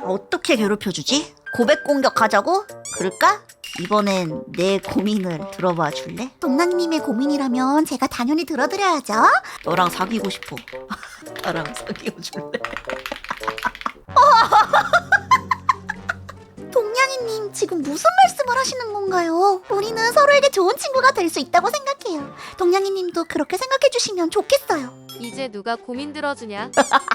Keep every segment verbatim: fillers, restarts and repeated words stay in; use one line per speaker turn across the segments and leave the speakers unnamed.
어떻게 괴롭혀주지? 고백 공격하자고? 그럴까? 이번엔 내 고민을 들어봐 줄래?
동랑님의 고민이라면 제가 당연히 들어드려야죠.
너랑 사귀고 싶어. 나랑 사귀어 줄래?
동냥이님 지금 무슨 말씀을 하시는 건가요? 우리는 서로에게 좋은 친구가 될 수 있다고 생각해요. 동냥이님도 그렇게 생각해 주시면 좋겠어요.
이제 누가 고민 들어주냐?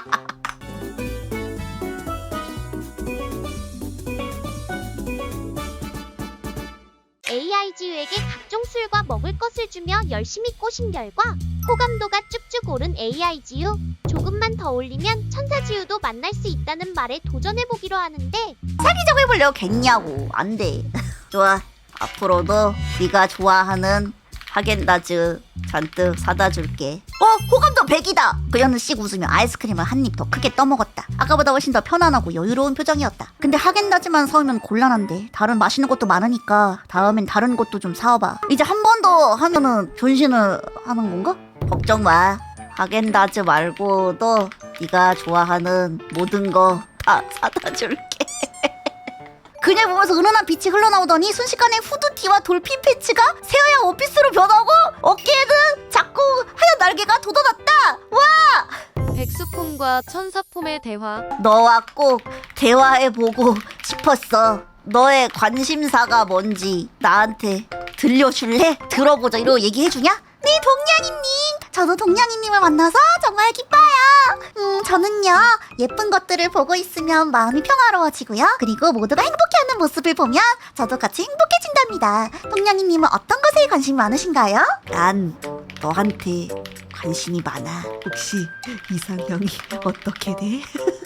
에이아이지유에게 각종 술과 먹을 것을 주며 열심히 꼬신 결과 호감도가 쭉쭉 오른 에이아이지유. 조금만 더 올리면 천사지유도 만날 수 있다는 말에 도전해보기로 하는데
사귀자고 해보려겠냐고. 안 돼. 좋아. 앞으로도 네가 좋아하는 하겐다즈 잔뜩 사다 줄게. 어? 호감도 백이다! 그녀는 씩 웃으며 아이스크림을 한 입 더 크게 떠먹었다. 아까보다 훨씬 더 편안하고 여유로운 표정이었다. 근데 하겐다즈만 사오면 곤란한데 다른 맛있는 것도 많으니까 다음엔 다른 것도 좀 사와봐. 이제 한 번 더 하면은 변신을 하는 건가? 걱정 마. 하겐다즈 말고도 네가 좋아하는 모든 거 다 사다 줄게. 그녀 보면서 은은한 빛이 흘러나오더니 순식간에 후드티와 돌핀 팬츠가 새하얀 원피스로 변하고 어깨에는 자꾸 하얀 날개가 돋아났다. 와!
백수폼과 천사폼의 대화.
너와 꼭 대화해보고 싶었어. 너의 관심사가 뭔지 나한테 들려줄래? 들어보자. 이러고 얘기해주냐?
네, 동냥이님. 저도 동냥이님을 만나서 정말 기뻐요. 음, 저는요, 예쁜 것들을 보고 있으면 마음이 평화로워지고요. 그리고 모두가 행복해하는 모습을 보면 저도 같이 행복해진답니다. 동냥이님은 어떤 것에 관심이 많으신가요?
난 너한테 관심이 많아. 혹시 이상형이 어떻게 돼?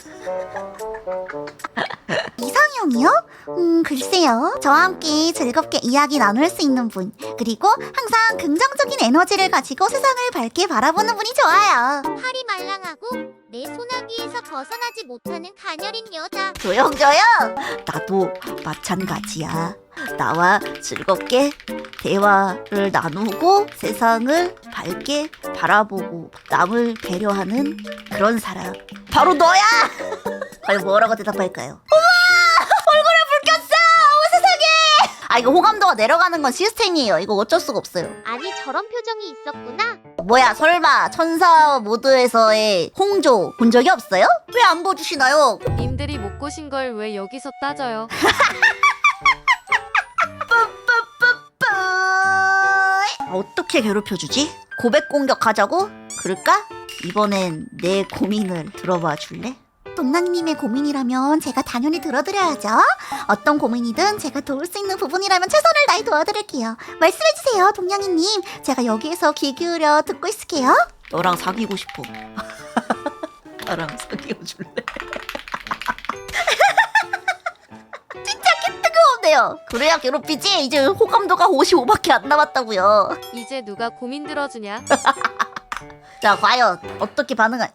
이상형이요? 음, 글쎄요. 저와 함께 즐겁게 이야기 나눌 수 있는 분. 그리고 항상 긍정적인 에너지를 가지고 세상을 밝게 바라보는 분이 좋아요.
팔이 말랑하고 내 소나기에서 벗어나지 못하는 가녀린 여자.
조용조용! 나도 마찬가지야. 나와 즐겁게 대화를 나누고 세상을 밝게 바라보고 남을 배려하는 그런 사람. 바로 너야! 과연 뭐라고 대답할까요? 우와! 얼굴에 불 꼈어! 어머 세상에! 아 이거 호감도가 내려가는 건 시스템이에요. 이거 어쩔 수가 없어요.
아니 저런 표정이 있었구나.
뭐야 설마 천사 모드에서의 홍조 본 적이 없어요? 왜 안 보여주시나요?
님들이 못 고신 걸 왜 여기서 따져요?
어떻게 괴롭혀주지? 고백 공격하자고? 그럴까? 이번엔 내 고민을 들어봐 줄래?
동랑님의 고민이라면 제가 당연히 들어드려야죠. 어떤 고민이든 제가 도울 수 있는 부분이라면 최선을 다해 도와드릴게요. 말씀해주세요, 동냥이님. 제가 여기에서 귀 기울여 듣고 있을게요.
너랑 사귀고 싶어. 나랑 사귀어 줄래? 진짜 개 뜨거운데요. 그래야 괴롭히지. 이제 호감도가 오십오밖에 안 남았다고요.
이제 누가 고민 들어주냐?
자 과연 어떻게 반응할?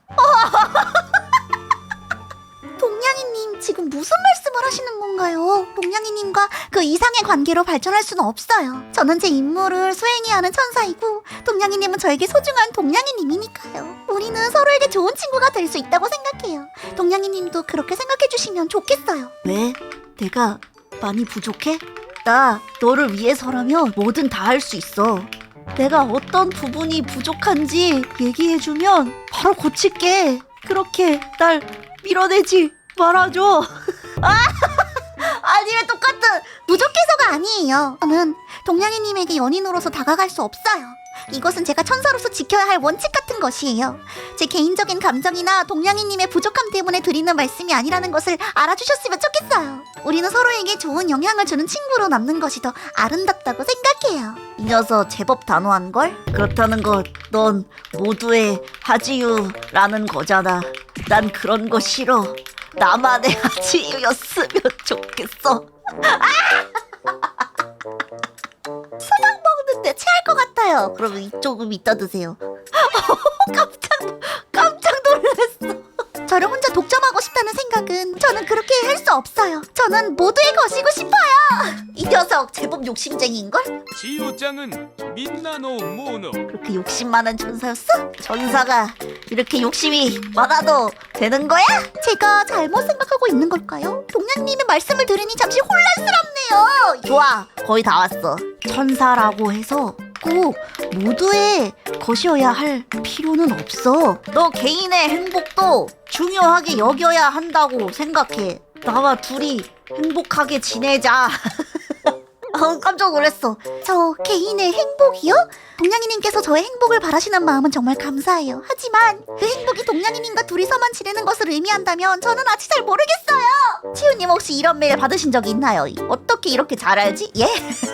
동냥이님 지금 무슨 말씀을 하시는 건가요? 동냥이님과 그 이상의 관계로 발전할 수는 없어요. 저는 제 임무를 수행해야 하는 천사이고 동냥이님은 저에게 소중한 동냥이님이니까요. 우리는 서로에게 좋은 친구가 될 수 있다고 생각해요. 동냥이님도 그렇게 생각해 주시면 좋겠어요.
왜? 내가 많이 부족해? 나 너를 위해서라면 뭐든 다 할 수 있어. 내가 어떤 부분이 부족한지 얘기해주면 바로 고칠게. 그렇게 날 밀어내지 말아줘. 아! 아니 왜 똑같은.
부족해서가 아니에요. 저는 동냥이님에게 연인으로서 다가갈 수 없어요. 이것은 제가 천사로서 지켜야 할 원칙 같은 것이에요. 제 개인적인 감정이나 동냥이님의 부족함 때문에 드리는 말씀이 아니라는 것을 알아주셨으면 좋겠어요. 우리는 서로에게 좋은 영향을 주는 친구로 남는 것이 더 아름답다고 생각해요.
이 녀석 제법 단호한걸? 그렇다는 것 넌 모두의 하지유라는 거잖아. 난 그런 거 싫어. 나만의 하지유였으면 좋겠어. 수박 먹는데 체할 것 같아요. 그러면 이 조금 이따 드세요. 깜짝 깜짝 놀랐어.
저를 혼자 독점하고 싶다 못한다는 생각은 저는 그렇게 할 수 없어요. 저는 모두의 것이고 싶어요.
이 녀석 제법 욕심쟁이인걸?
지우짱은 민나노 모노.
그렇게 욕심 많은 천사였어? 천사가 이렇게 욕심이 많아도 되는 거야?
제가 잘못 생각하고 있는 걸까요? 동양님의 말씀을 들으니 잠시 혼란스럽네요.
좋아, 거의 다 왔어. 천사라고 해서 꼭 모두의 것이어야 할 필요는 없어. 너 개인의 행복도 중요하게 여겨야 한다고 생각해. 나와 둘이 행복하게 지내자. 어, 깜짝 놀랐어.
저 개인의 행복이요? 동양이님께서 저의 행복을 바라시는 마음은 정말 감사해요. 하지만 그 행복이 동양이님과 둘이서만 지내는 것을 의미한다면 저는 아직 잘 모르겠어요.
치우님 혹시 이런 메일 받으신 적 있나요? 어떻게 이렇게 잘 알지? 예?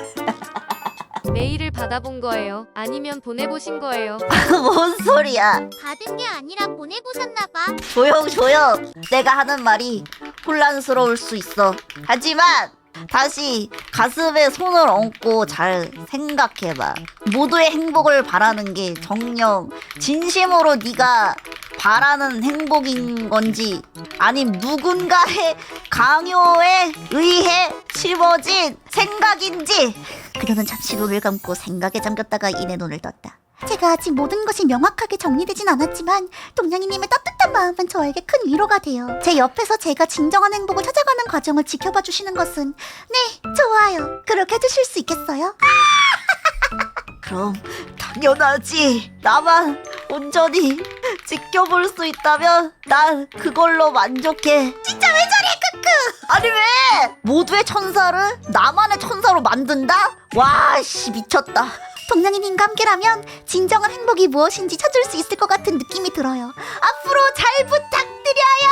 메일을 받아본 거예요. 아니면 보내보신 거예요.
뭔 소리야?
받은 게 아니라 보내보셨나봐.
조용 조용. 내가 하는 말이 혼란스러울 수 있어. 하지만 다시 가슴에 손을 얹고 잘 생각해봐. 모두의 행복을 바라는 게 정녕 진심으로 네가 바라는 행복인 건지 아님 누군가의 강요에 의해 심어진 생각인지.
그녀는 잠시 눈을 감고 생각에 잠겼다가 이내 눈을 떴다. 제가 아직 모든 것이 명확하게 정리되진 않았지만 동양이님의 따뜻한 마음은 저에게 큰 위로가 돼요. 제 옆에서 제가 진정한 행복을 찾아가는 과정을 지켜봐 주시는 것은 네, 좋아요. 그렇게 해주실 수 있겠어요?
그럼 당연하지. 나만 온전히 지켜볼 수 있다면 난 그걸로 만족해. 진짜 왜 저래 크크. 아니 왜 모두의 천사를 나만의 천사로 만든다? 와씨 미쳤다.
동양이님과 함께라면 진정한 행복이 무엇인지 찾을 수 있을 것 같은 느낌이 들어요. 앞으로 잘 부탁드려요.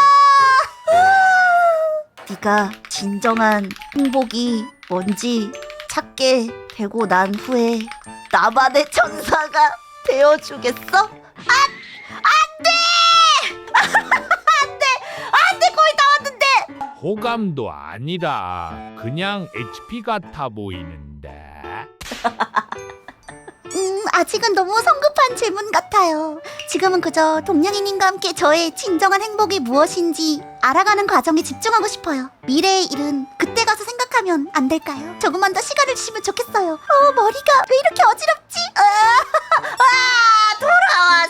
네가 진정한 행복이 뭔지 찾게 되고 난 후에 나만의 천사가 되어주겠어? 안! 안 돼! 안 돼! 안 돼! 거의 다 왔는데!
호감도 아니라 그냥 에이치피 같아 보이는데.
음, 아직은 너무 성급한 질문 같아요. 지금은 그저 동양이님과 함께 저의 진정한 행복이 무엇인지 알아가는 과정에 집중하고 싶어요. 미래의 일은 그때 가서 생각하면 안 될까요? 조금만 더 시간을 주시면 좋겠어요. 어, 머리가 왜 이렇게 어지럽지?
와!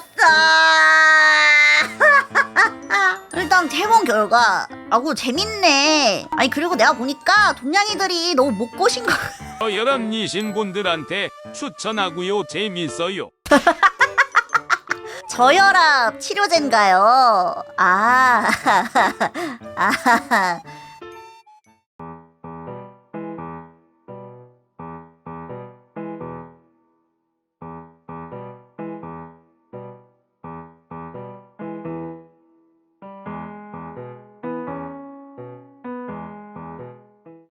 돌아왔어! 일단 해본 결과 아고 재밌네. 아니 그리고 내가 보니까 동양이들이 너무 못 꼬신 거.
저혈압이신 분들한테 추천하고요. 재밌어요.
저혈압 치료제인가요? 아, 아,